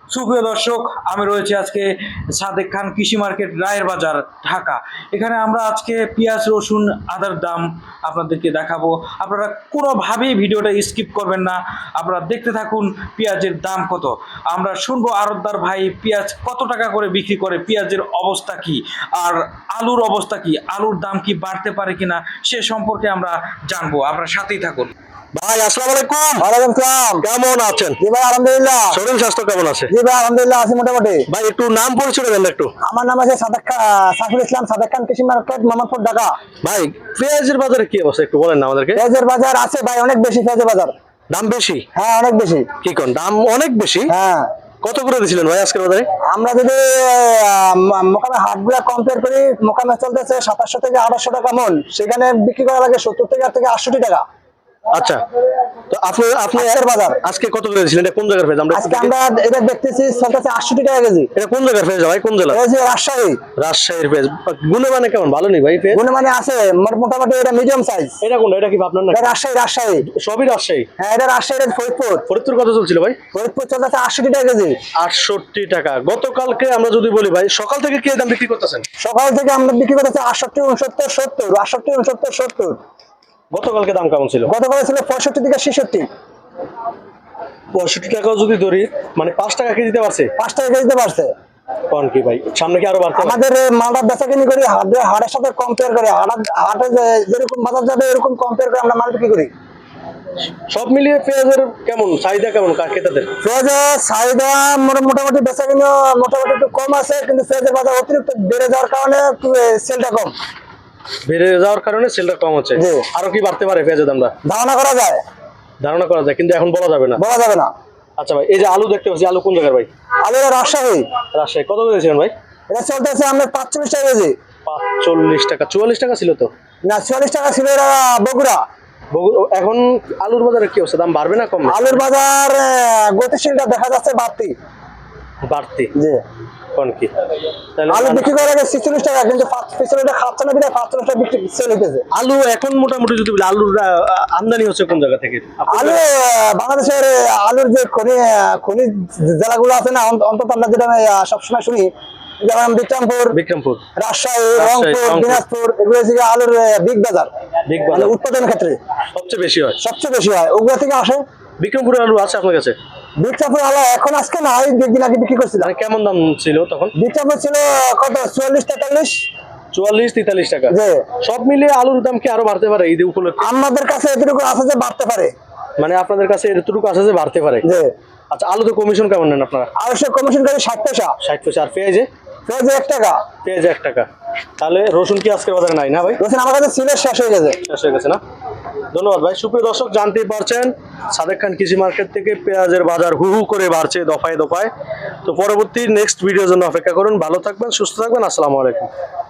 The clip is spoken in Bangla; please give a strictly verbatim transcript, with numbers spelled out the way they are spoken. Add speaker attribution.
Speaker 1: সুপ্রিয় দর্শক, আমি রয়েছে আজকে সাদেক খান কৃষি মার্কেট, রায়ের বাজার, ঢাকা। এখানে আমরা আজকে পেঁয়াজ, রসুন, আদার দাম আপনাদেরকে দেখাবো। আপনারা কোনোভাবেই ভিডিওটা স্কিপ করবেন না, আপনারা দেখতে থাকুন পেঁয়াজের দাম কত। আমরা শুনবো আড়তদার ভাই পেঁয়াজ কত টাকা করে বিক্রি করে, পেঁয়াজের অবস্থা কি, আর আলুর অবস্থা কি, আলুর দাম কি বাড়তে পারে কিনা সে সম্পর্কে আমরা জানবো। আপনারা সাথেই থাকুন।
Speaker 2: ভাই আসসালামু আলাইকুম।
Speaker 3: ওয়ালাইকুম সালাম।
Speaker 2: কেমন আছেন?
Speaker 3: জি ভাই আলহামদুলিল্লাহ।
Speaker 2: শরীর স্বাস্থ্য কেমন আছে?
Speaker 3: জি ভাই আলহামদুলিল্লাহ আছি মোটামুটি।
Speaker 2: ভাই একটু নাম পরিচয় দেন একটু।
Speaker 3: আমার নাম আছে সাদেক খান, সাইফুল ইসলাম, সাদেক খান কৃষি মার্কেট, মোহাম্মদপুর, ঢাকা।
Speaker 2: ভাই পেঁয়াজের বাজারে কি অবস্থা একটু বলেন না আমাদেরকে।
Speaker 3: পেঁয়াজের বাজার আছে ভাই অনেক বেশি, পেঁয়াজের বাজার
Speaker 2: দাম বেশি?
Speaker 3: হ্যাঁ অনেক বেশি।
Speaker 2: কি কোন দাম অনেক বেশি?
Speaker 3: হ্যাঁ।
Speaker 2: কত করে দিছিলেন ভাই আজকের বাজারে?
Speaker 3: আমরা যদি মোকামে হাটগুলা কম্পেয়ার করি, মোকামে চলতেছে সাতাশশো থেকে আঠাশশো টাকা মন, সেখানে বিক্রি করা লাগে সত্তর থেকে থেকে আটষট্টি টাকা।
Speaker 2: আচ্ছা, তো আপনি আপনি
Speaker 3: আজকের বাজার
Speaker 2: আজকে কত করে দিছিলেন? এটা কোন জায়গার পেঁয়াজ? আমরা
Speaker 3: আজকে আমরা এটা দেখতেছি চলতেছে আটষট্টি টাকা কেজি।
Speaker 2: এটা কোন জায়গার পেঁয়াজ ভাই? কোন জেলা?
Speaker 3: এই যে রাজশাহী।
Speaker 2: রাজশাহীর পেঁয়াজ। গুণমানে কেমন? ভালো নেই ভাই পেঁয়াজ?
Speaker 3: গুণমানে আছে মোটামুটি, এটা মিডিয়াম সাইজ।
Speaker 2: এটা কোনটা? এটা কি আপনার না?
Speaker 3: এটা রাজশাহী, রাজশাহী
Speaker 2: সবই রাজশাহী?
Speaker 3: হ্যাঁ এটা রাজশাহী, এটা ফরিদপুর।
Speaker 2: ফরিদপুর কত চলছিল ভাই?
Speaker 3: ফরিদপুর চলতেছে আটষট্টি টাকা কেজি।
Speaker 2: আটষট্টি টাকা। গতকালকে আমরা যদি বলি ভাই, সকাল থেকে কি দাম বিক্রি করতেছেন?
Speaker 3: সকাল থেকে আমরা বিক্রি করতেছি আটষট্টি, উনসত্তর, সত্তর, আটষট্টি, উনসত্তর, সত্তর।
Speaker 2: গতকালকে দাম কেমন ছিল?
Speaker 3: গতকাল ছিল পঁয়ষট্টি থেকে ছেষট্টি।
Speaker 2: পঁয়ষট্টি টাকাও যদি ধরি, মানে পাঁচ টাকা কেজিতে পারছে।
Speaker 3: পাঁচ টাকা কেজিতে বাড়ছে।
Speaker 2: কোন কি ভাই, সামনে কি আরো বাড়তে পারে?
Speaker 3: আমাদের মালটা বেচা কিনি করি হাটে, হাটের সাথে কম্পেয়ার করে, হাটে যেরকম বাজার যাবে এরকম কম্পেয়ার করে আমরা মাল বিক্রি করি।
Speaker 2: সব মিলিয়ে পেঁয়াজের কেমন চাহিদা, কেমন ক্রেতাদের?
Speaker 3: পেঁয়াজের চাহিদা মোটামুটি বেচা কিনি মোটামুটি একটু কম আছে, কিন্তু পেঁয়াজের বাজার অতিরিক্ত বেড়ে যাওয়ার কারণে সেলটা কম।
Speaker 2: বেড়ে যাওয়ার কারণে সেলটা কম হচ্ছে। আরো কি বাড়তে পারে পেঁয়াজের দামটা?
Speaker 3: ধারণা করা যায়,
Speaker 2: ধারণা করা যায়, কিন্তু এখন বলা যাবে না।
Speaker 3: বলা যাবে না।
Speaker 2: আচ্ছা ভাই, এই যে আলু দেখতে পাচ্ছি, আলু কোন জায়গার ভাই?
Speaker 3: আলু রাজশাহী।
Speaker 2: রাজশাহী কত করেছিলেন ভাই?
Speaker 3: এটা চলতেছে আমরা পাঁচচল্লিশ টাকা কেজি।
Speaker 2: পাঁচচল্লিশ টাকা? চুয়াল্লিশ টাকা ছিল তো?
Speaker 3: না চুয়াল্লিশ টাকা ছিল এটা বগুড়া।
Speaker 2: এখন আলুর বাজারে কি অবস্থা? দাম বাড়বে না কম?
Speaker 3: আলুর বাজার গতিশীলটা দেখা যাচ্ছে বাড়তি।
Speaker 2: বাড়তি?
Speaker 3: জি।
Speaker 2: কোন কি
Speaker 3: আলু বিক্রি করা লাগে ছেচল্লিশ টাকা, কিন্তু পিছনেটা খাচ্ছে না, বিনা পাঁচচল্লিশ টাকা বিক্রি সেল হইতেছে।
Speaker 2: আলু এখন মোটামুটি যদি বলি, আলুর আমদানি হচ্ছে কোন জায়গা থেকে?
Speaker 3: আলু বাংলাদেশের আলুর যে খনি খনি জেলাগুলো আছে না, অন্তত আমরা যেটা সবসময় শুনি, যেমন বিক্রমপুর,
Speaker 2: বিক্রমপুর,
Speaker 3: রাজশাহী, রংপুর, দিনাজপুর, এগুলো থেকে আলুর বিগ বাজার,
Speaker 2: বিগ বাজার
Speaker 3: উৎপাদনের ক্ষেত্রে
Speaker 2: সবচেয়ে বেশি হয়,
Speaker 3: সবচেয়ে বেশি হয়, ওগুলো থেকে আসে।
Speaker 2: বিক্রমপুরের আলু আছে আপনার কাছে?
Speaker 3: বিক্রমপুর আলু এখন আজকে না, দুদিন আগে বিক্রি করছিলাম।
Speaker 2: কেমন দাম ছিল তখন?
Speaker 3: বিক্রমপুর ছিল কত, চুয়াল্লিশ, তেতাল্লিশ,
Speaker 2: চুয়াল্লিশ, তেতাল্লিশ টাকা। সব মিলিয়ে আলুর দাম কি আরো বাড়তে পারে ঈদ উপলক্ষে?
Speaker 3: আমাদের কাছে এতটুকু আছে যে বাড়তে পারে।
Speaker 2: মানে আপনাদের কাছে এতটুকু আছে যে বাড়তে পারে? আচ্ছা, আলুতে কমিশন কেমন নেন আপনারা?
Speaker 3: আড়াইশো কমিশন করে ষাট পয়সা।
Speaker 2: ষাট পয়সা। আর পেঁয়াজে?
Speaker 3: পেঁয়াজে এক টাকা।
Speaker 2: পেঁয়াজে এক টাকা। তাহলে রসুন কি আজকের বাজারে নাই না ভাই?
Speaker 3: রসুন আমার কাছে ছিল, শেষ হয়ে গেছে।
Speaker 2: শেষ হয়ে গেছে না? ধন্যবাদ ভাই। সুপ্রিয় দর্শক, জানতেই পারছেন সাদেক খান কৃষি মার্কেট থেকে পেঁয়াজের বাজার হু হু করে বাড়ছে দফায় দফায়। তো পরবর্তী নেক্সট ভিডিওর জন্য অপেক্ষা করুন। ভালো থাকবেন, সুস্থ থাকবেন। আসসালামু আলাইকুম।